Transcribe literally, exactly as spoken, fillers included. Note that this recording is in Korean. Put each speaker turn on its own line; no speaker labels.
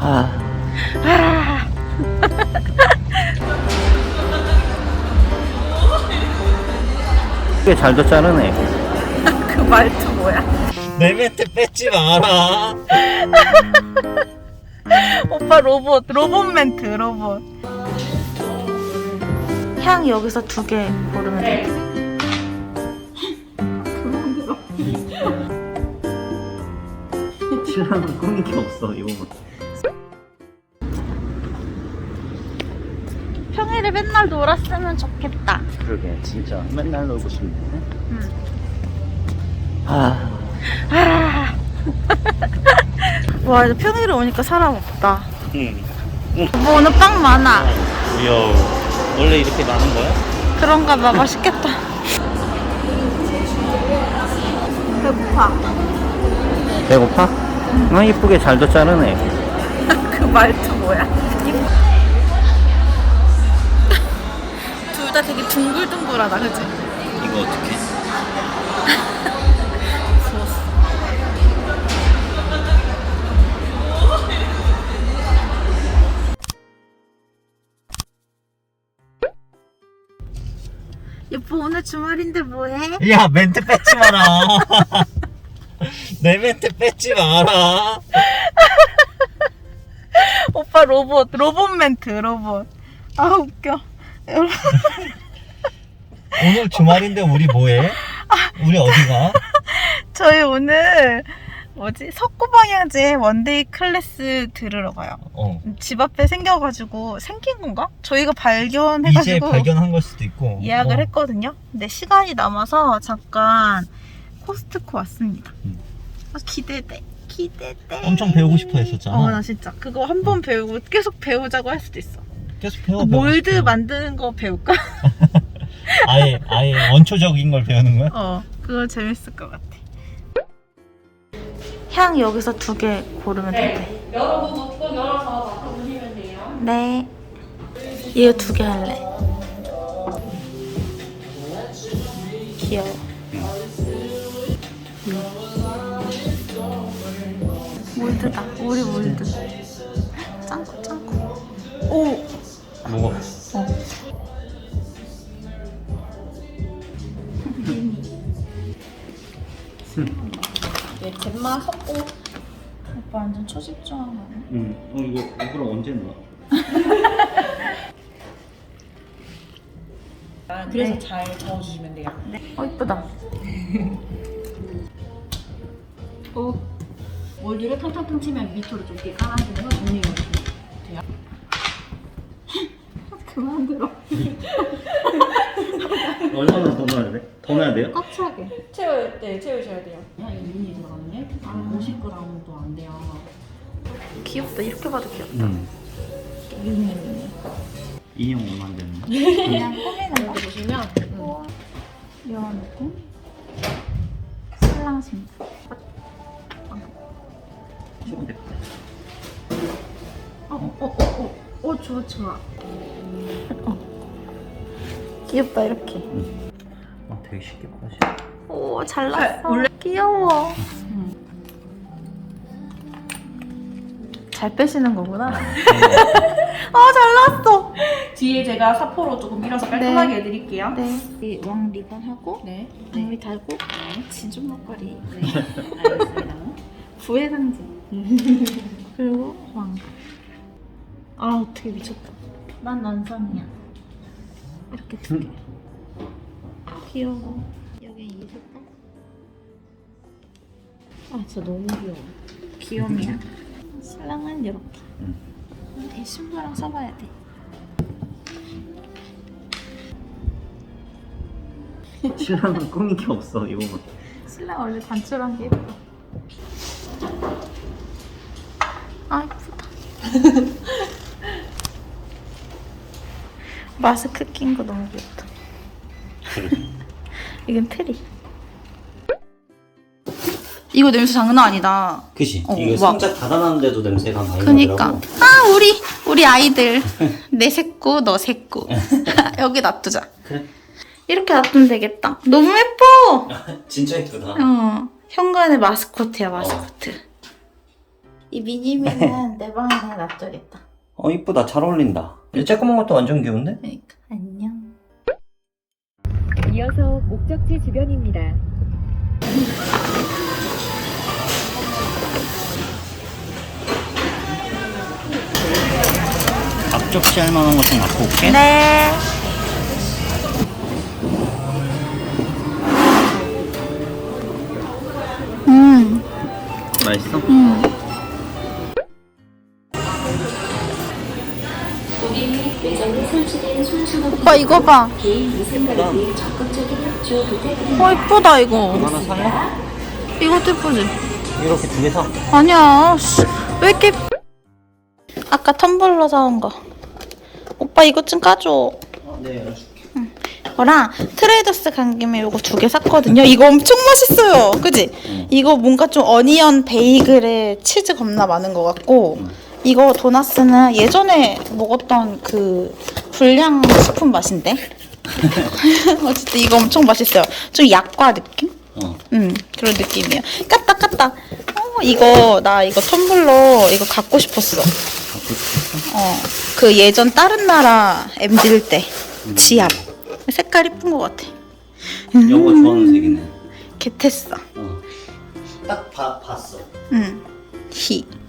아.
아.
꽤 잘도 자르네.
그 말투 뭐야?
내 멘트 뺏지 마라.
오빠 로봇, 로봇 멘트, 로봇. 향 여기서 두 개 고르면 돼.
신랑은 꾸민 게 없어 이거만.
평일에 맨날 놀았으면 좋겠다.
그러게 진짜 맨날 놀고 싶네.
응.
아.
아. 와, 이제 평일에 오니까 사람 없다.
응.
뭐 오늘 빵 많아.
귀여워. 원래 이렇게 많은 거야?
그런가 봐. 맛있겠다. 배고파.
배고파? 응. 어, 이쁘게 잘도 자르네.
그 말투 뭐야? 둘 다 되게 둥글둥글하다, 그치?
이거 어떻게?
부었어. 여보, 오늘 주말인데 뭐해?
야 멘트 뺏지 마라. 내 멘트 뺏지 마라.
오빠 로봇, 로봇 멘트, 로봇. 아, 웃겨. 여러분.
오늘 주말인데 우리 뭐해? 우리 어디가?
저희 오늘 뭐지? 석고방향제 원데이 클래스 들으러 가요.
어.
집 앞에 생겨가지고 생긴 건가? 저희가
이제
발견해가지고
발견한 걸 수도 있고.
예약을
어.
했거든요. 근데 시간이 남아서 잠깐 코스트코 왔습니다.
음.
아, 기대돼. 기대돼.
엄청 배우고 싶어 했었잖아.
어, 나 진짜 그거 한 번 배우고 계속 배우자고 할 수도 있어.
계속 배워.
그
배우고
몰드
싶어.
만드는 거 배울까?
아예 아예 원초적인 걸 배우는 거야?
어, 그거 재밌을 것 같아. 향 여기서 두 개 고르면 돼.
열어보고 꼭 열어서 맡아보시면 돼요.
네. 이거 두 개 할래. 귀여워. 음. 몰드다. 우리 몰드. 짱구 짱구. 오.
먹어.
어.
네, 잼마 섞고
오빠 완전 초집중한 거 아니야?
응. 어 이거 이거랑 언제 넣어?
그래서
네.
잘 저어주시면 돼요.
네. 어, 이쁘다.
어, 몰드를 탕탕탕 치면 밑으로 좀 이렇게 깔아주면서 정리가 돼요.
그만 들어.
얼마나 더 넣어야 돼? 더 넣어야 돼요?
꽉 차게.
채워, 네, 채우셔야 돼요. 야, 이 눈이 들어가는 게 오십 그램도 안 돼요.
귀엽다. 이렇게 봐도 귀엽다.
응.
유니.
인형 얼마 되는 거?
그냥 꾸미는 거.
여기 보시면
우와. 이런 느낌? 슬랑 신부.
조금 됐다.
어, 어, 어, 어, 어, 좋아, 좋아. 어. 귀엽다, 이렇게.
응. 아 되게 쉽게 빠져.
오, 잘 났어.
아, 원래-
귀여워. 잘 빼시는 거구나. 아, 잘 났어.
뒤에 제가 사포로 조금 밀어서 깔끔하게 해드릴게요.
네. 이 왕 리본하고,
네.
장미 달고, 진주 목걸이.
네. 알겠습니다.
부의 상징. 그리고 왕. 아, 어떻게 미쳤다. 난 완성이야. 이렇게 두 개. 귀여워. 여기 이 색깔. 아, 진짜 너무 귀여워. 귀염이야. 신랑은 이렇게.
응.
이 신부랑 써봐야 돼.
신랑은 꾸민 게 없어 이거만.
신랑 원래 단출한 게 예뻐. 아, 예쁘다. 마스크 낀 거 너무 귀엽다. 이건 트리. 이거 냄새 장난 아니다.
그치?
어,
이거
막-
상자 닫아놨는데도 냄새가 많이
그니까.
나더라고.
아, 우리 우리 아이들. 내 새꼬, 너 새꼬. 여기 놔두자.
그래.
이렇게 놔두면 되겠다. 너무 예뻐.
진짜 예쁘다.
어, 현관의 마스코트야, 마스코트. 이 미니미는 내 방에 그냥 놔둬야겠다.
어 이쁘다. 잘 어울린다. 이 쬐끄만 것도 완전 귀여운데?
그러니까 안녕.
이어서 목적지 주변입니다.
앞접시 할 만한 거 좀 갖고 올게.
네. 음,
맛있어?
음. 오빠 이거 봐.
예쁘다.
어 이쁘다 이거.
이거 하나 살래?
이것도 이쁘지?
이렇게 두 개 사.
아니야. 씨, 왜 이렇게? 아까 텀블러 사온 거. 오빠 이것 좀 까줘.
어, 네 열어줄게.
이거랑 트레이더스 간 김에 이거 두 개 샀거든요. 이거 엄청 맛있어요. 그지?
응.
이거 뭔가 좀 어니언 베이글에 치즈 겁나 많은 것 같고
응.
이거 도나스는 예전에 먹었던 그 불량식품 맛인데? 어쨌든 이거 엄청 맛있어요. 좀 약과 느낌?
어.
음 그런 느낌이에요. 까딱 까딱. 어 이거 나 이거 텀블러 이거 갖고 싶었어.
갖고 싶었어?
어 그 예전 다른 나라 엠딜 때 지압 색깔 이쁜 것 같아.
여보 좋아하는 색이네.
개tes어.
어. 딱 봐, 봤어.
응. 히.